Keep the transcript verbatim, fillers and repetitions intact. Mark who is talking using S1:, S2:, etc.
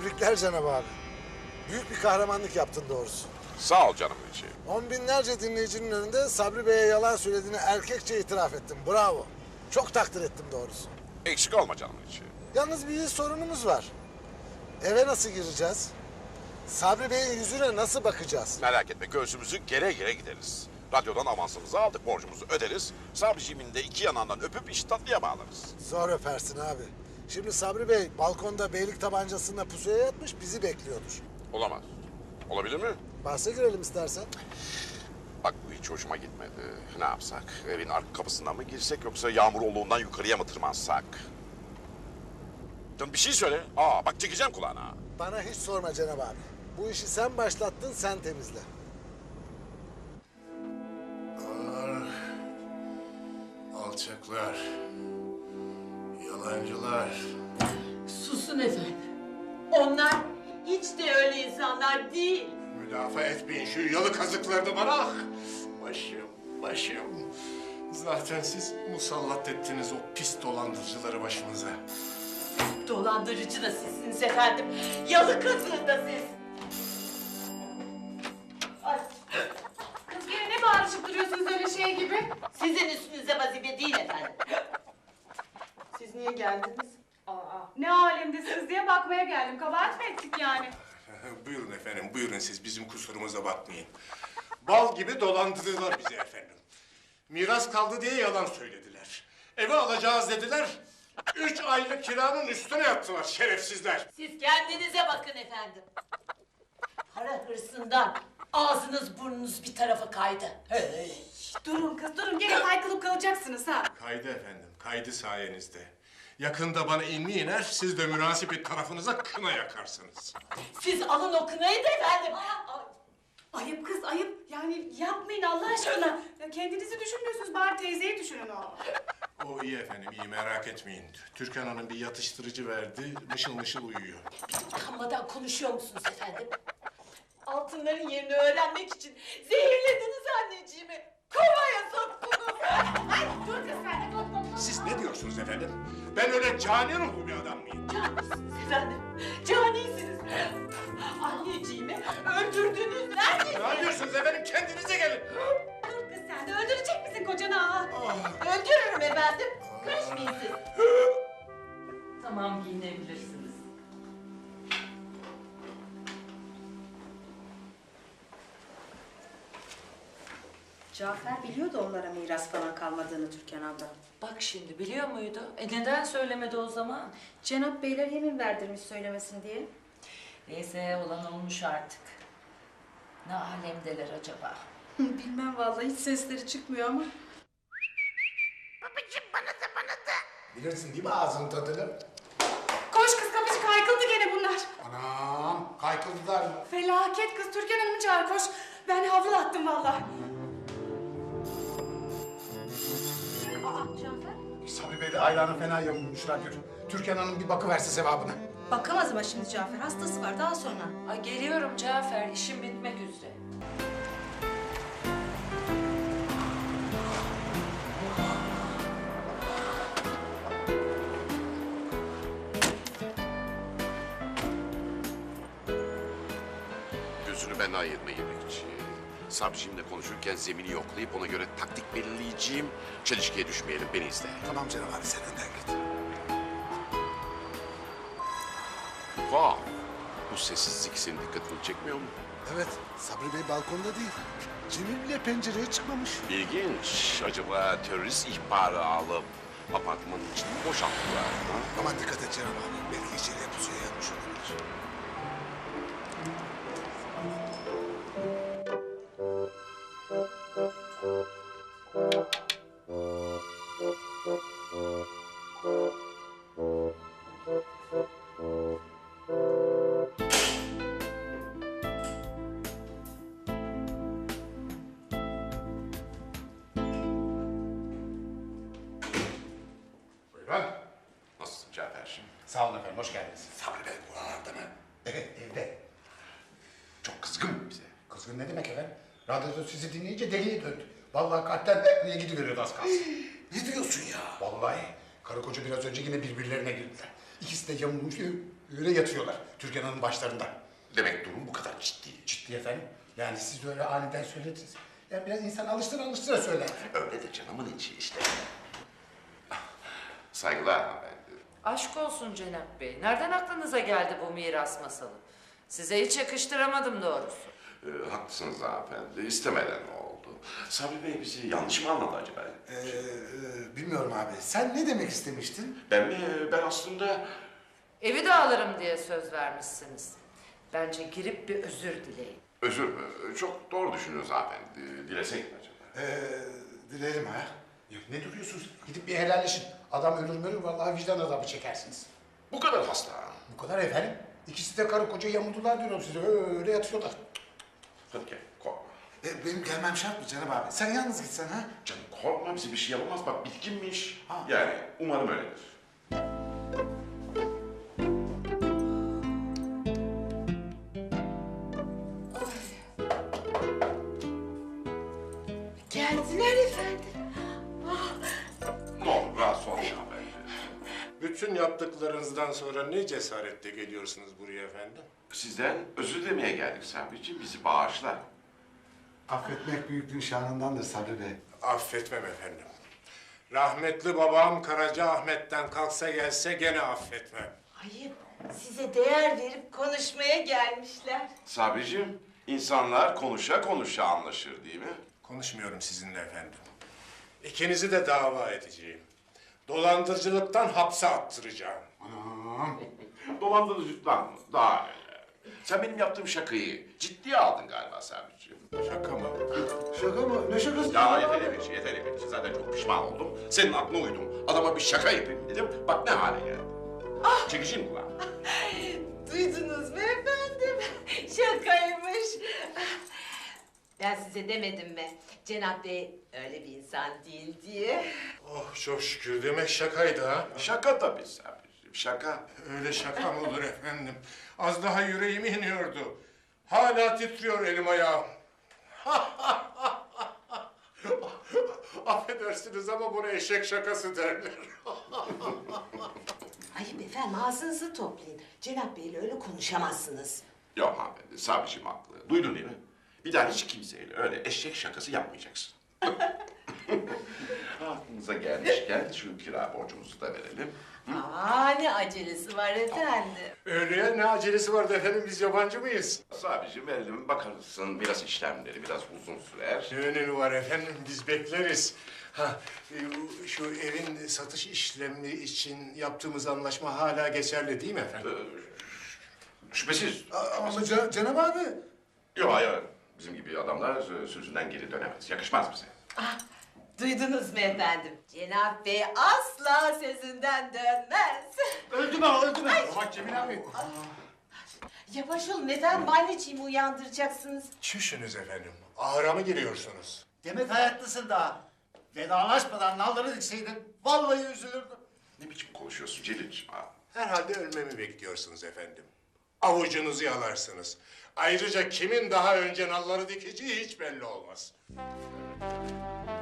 S1: Tebrikler Cenab abi. Büyük bir kahramanlık yaptın doğrusu.
S2: Sağ ol canım içi.
S1: On binlerce dinleyicinin önünde Sabri Bey'e yalan söylediğini erkekçe itiraf ettin. Bravo. Çok takdir ettim doğrusu.
S2: Eksik olma canım içi.
S1: Yalnız bir sorunumuz var. Eve nasıl gireceğiz? Sabri Bey'in yüzüne nasıl bakacağız?
S2: Merak etme, göğsümüzü gere gere gideriz. Radyodan avansımızı aldık, borcumuzu öderiz. Sabriciğimin de iki yanından öpüp işi tatlıya bağlarız.
S1: Zor öpersin abi. Şimdi Sabri Bey balkonda beylik tabancasıyla pusuya yatmış, bizi bekliyordur.
S2: Olamaz. Olabilir mi?
S1: Bahse girelim istersen.
S2: Bak bu hiç hoşuma gitmedi. Ne yapsak? Evin arka kapısından mı girsek yoksa yağmur olduğundan yukarıya mı tırmansak? Canım bir şey söyle. Aa bak çekeceğim kulağına.
S1: Bana hiç sorma Cenab abi. Bu işi sen başlattın, sen temizle.
S3: Ah, alçaklar, yalancılar.
S4: Susun efendim. Onlar hiç de öyle insanlar değil.
S3: Müdafaa etmeyin şu yalı kazıklarını bana. Ah, başım, başım. Zaten siz musallat ettiniz o pis dolandırıcıları başımıza.
S4: Dolandırıcı da sizsiniz efendim. Yalı kazığı da siz. Ay,
S5: Kız gene ne bağırışıp duruyorsunuz öyle şey gibi?
S4: sizin üstünüze vazife değil efendim. Siz niye geldiniz?
S5: Aa, ne alemdesiniz diye bakmaya geldim. Kabahat mı ettik yani?
S3: Buyurun efendim, buyurun siz bizim kusurumuza bakmayın. Bal gibi dolandırdılar bizi efendim. Miras kaldı diye yalan söylediler. Evi alacağız dediler. Üç aylık kiranın üstüne yattılar şerefsizler.
S4: Siz kendinize bakın efendim. Para hırsından ağzınız burnunuz bir tarafa kaydı. Öyle.
S5: Durun kız durun gene kaykılıp kalacaksınız ha.
S3: Kaydı efendim, kaydı sayenizde. Yakında bana inli iner, siz de münasip tarafınıza kına yakarsınız.
S4: Siz alın o kınayı da efendim. Ay,
S5: Ayıp kız ayıp. Yani yapmayın Allah aşkına. Ya kendinizi düşünmüyorsunuz bari teyzeyi düşünün o.
S3: O iyi efendim, iyi merak etmeyin. Türkan Hanım bir yatıştırıcı verdi, mışıl mışıl uyuyor.
S4: Utanmadan konuşuyor musunuz efendim? Altınların yerini öğrenmek için zehirlediniz anneciğimi. Kovaya soktunuz.
S5: Ay dur kız sen de dur dur dur.
S3: Siz ne diyorsunuz efendim? Ben öyle cani ruhlu bir adam mıyım?
S4: Canisiniz efendim. Canisiniz. Anneciğimi öldürdünüz.
S3: Ne
S4: Neredesiniz?
S3: yapıyorsunuz efendim? Kendinize gelin.
S5: Dur kız sen de öldürecek misin kocanı ha?
S4: Öldürürüm efendim. Karışmayın siz.
S6: Tamam, giyinebilirsiniz.
S7: Cafer biliyordu onlara miras falan kalmadığını Türkan abla.
S6: Bak şimdi biliyor muydu? E neden söylemedi o zaman?
S7: Cenap beyler yemin verdirmiş söylemesin diye.
S6: Neyse olan olmuş artık. Ne alemdeler acaba?
S7: Bilmem vallahi hiç sesleri çıkmıyor ama.
S8: Bilirsin değil mi ağzının tadını?
S5: Koş kız kapıcı kaykıldı gene bunlar.
S8: Anam, kaykıldılar mı?
S5: Felaket kız Türkan Hanım'ı çağır koş. Ben havlu attım vallahi.
S7: Aa Cafer.
S8: Sabri Bey de ayranı fena yamulmuşlar diyor. Türkan Hanım bir bakıverse sevabına.
S7: Bakamaz ama şimdi Cafer hastası var daha sonra.
S6: Ay geliyorum Cafer, işim bitmek üzere.
S2: Gözünü benden ayırma yemekçi. Sabriciğimle konuşurken zemini yoklayıp ona göre taktik belirleyeceğim. Çelişkiye düşmeyelim, beni izle.
S8: Tamam Cenab abi sen önden git.
S2: Vah! Bu sessizlik senin dikkatini çekmiyor mu?
S1: Evet, Sabri Bey balkonda değil. Cemil bile pencereye çıkmamış.
S2: İlginç. Acaba terörist ihbarı alıp apartmanın içini mi boşalttılar? Ha?
S1: Aman dikkat et Cenab abi. Belki içeriye pusuya yatmış olabilir.
S3: Buyurun.
S2: Nasılsın Cafer'cim?
S8: Sağ olun efendim, hoş geldiniz.
S3: Sabri Bey buralarda mı?
S8: Evet, evde. Çok kızgın bize. Kızgın ne demek efendim? Radyoda sizi dinleyince deliye döndü. Vallahi kalpten de gidiveriyordu az kalsın.
S3: Ne diyorsun ya?
S8: Vallahi karı koca biraz önce yine birbirlerine girdiler. İkisi de yamulmuş. Öyle yatıyorlar Türkan Hanım başlarında.
S2: Demek durum bu kadar ciddi.
S8: Ciddi efendim. Yani siz de öyle aniden söylediniz. Yani biraz insan alıştıra alıştıra söyler.
S2: Öyle de canımın içi işte. Saygılar hanımefendi.
S6: Aşk olsun Cenap Bey. Nereden aklınıza geldi bu miras masalı? Size hiç yakıştıramadım doğrusu.
S2: Ee, haklısınız hanımefendi. İstemeden oldu. Sabri Bey bizi yanlış mı anladı acaba?
S1: Ee, e, bilmiyorum abi. Sen ne demek istemiştin?
S2: Ben mi? Ben aslında...
S6: Evi de alırım diye söz vermişsiniz. Bence girip bir özür dileyin.
S2: Özür mü? Çok doğru düşünüyorsunuz hanımefendi. Dilesek mi acaba?
S1: Ee, dilerim ha.
S8: Ya ne duruyorsunuz? Gidip bir helalleşin. Adam ölür mü ölür vallahi vicdan azabı çekersiniz.
S2: Bu kadar hasta.
S8: Bu kadar efendim. İkisi de karı koca yamuldular diyorum size. Öyle yatıyorlar.
S2: Hadi gel korkma.
S1: Ee, benim gelmem şart mı Cenab abi? Sen yalnız gitsen ha?
S2: Canım korkma bize bir şey yapamaz. Bak bitkinmiş.
S1: Ha.
S2: Yani umarım öyledir.
S4: Geldiler efendim.
S2: Ne olur rahatsız olmayın hanımefendi.
S3: Bütün yaptıklarınızdan sonra ne cesaretle geliyorsunuz buraya efendim?
S2: Sizden özür dilemeye geldik Sabri'ciğim. Bizi bağışla.
S1: Affetmek büyüklüğün şanındandır Sabri Bey.
S3: Affetmem efendim. Rahmetli babam Karaca Ahmet'ten kalksa gelse gene affetmem.
S4: Ayıp. Size değer verip konuşmaya gelmişler.
S2: Sabri'ciğim, insanlar konuşa konuşa anlaşır değil mi?
S3: Konuşmuyorum sizinle efendim. İkinizi de dava edeceğim. Dolandırıcılıktan hapse attıracağım.
S8: Anam.
S2: Dolandırıcılıktan mı? Daha neler. Sen benim yaptığım şakayı ciddiye aldın galiba Sabri'ciğim.
S3: Şaka mı?
S1: Şaka mı? Ne şakası?
S2: Ya yeter Eminci, yeter Eminci. Zaten çok pişman oldum. Senin aklına uydum. Adama bir şaka yapayım dedim. Bak ne hale geldi. Ah! Çekişeyim mi lan?
S4: Duydunuz mu efendim? Şakaymış. Ben size demedim mi? Cenap Bey öyle bir insan değil diye.
S3: Oh çok şükür demek şakaydı ha.
S2: Şaka tabii Sabri'ciğim, şaka.
S3: Öyle şaka mı olur efendim? Az daha yüreğime iniyordu. Hala titriyor elim ayağım. Affedersiniz ama buna eşek şakası derler.
S4: Ayıp efendim ağzınızı toplayın. Cenap Bey'le öyle konuşamazsınız.
S2: Yok hanımefendi, Sabri'ciğim haklı. Duydun değil mi? Bir daha hiç kimseyle öyle eşek şakası yapmayacaksın. Aklınıza gelmişken şu kira borcumuzu da verelim.
S4: Aa ne acelesi var efendim.
S3: Öyleye ne acelesi vardı efendim, biz yabancı mıyız?
S2: Sabri'ciğim verelim, bakarsın biraz işlemleri biraz uzun sürer.
S3: Ne önemi var efendim, biz bekleriz. Ha, e, şu evin satış işlemi için yaptığımız anlaşma hala geçerli değil mi efendim?
S2: Ee, şüphesiz.
S1: Ama Can Cenab abi.
S2: Yok hayır, bizim gibi adamlar e, sözünden geri dönemez. Yakışmaz bize.
S4: Ah, duydunuz mu efendim? Cenap Bey asla sözünden dönmez.
S8: Öldü mü öldü mü? Bak Cemil abi.
S4: Yavaş olun efendim, anneciğimi uyandıracaksınız.
S3: Çüşünüz efendim, ahıra mı giriyorsunuz?
S9: Demek hayatlısın daha. Vedalaşmadan nalları dikseydin vallahi üzülürdüm.
S2: Ne biçim konuşuyorsun Celil'ciğim ha?
S3: Herhalde ölmemi bekliyorsunuz efendim. Avucunuzu yalarsınız. Ayrıca kimin daha önce nalları dikeceği hiç belli olmaz.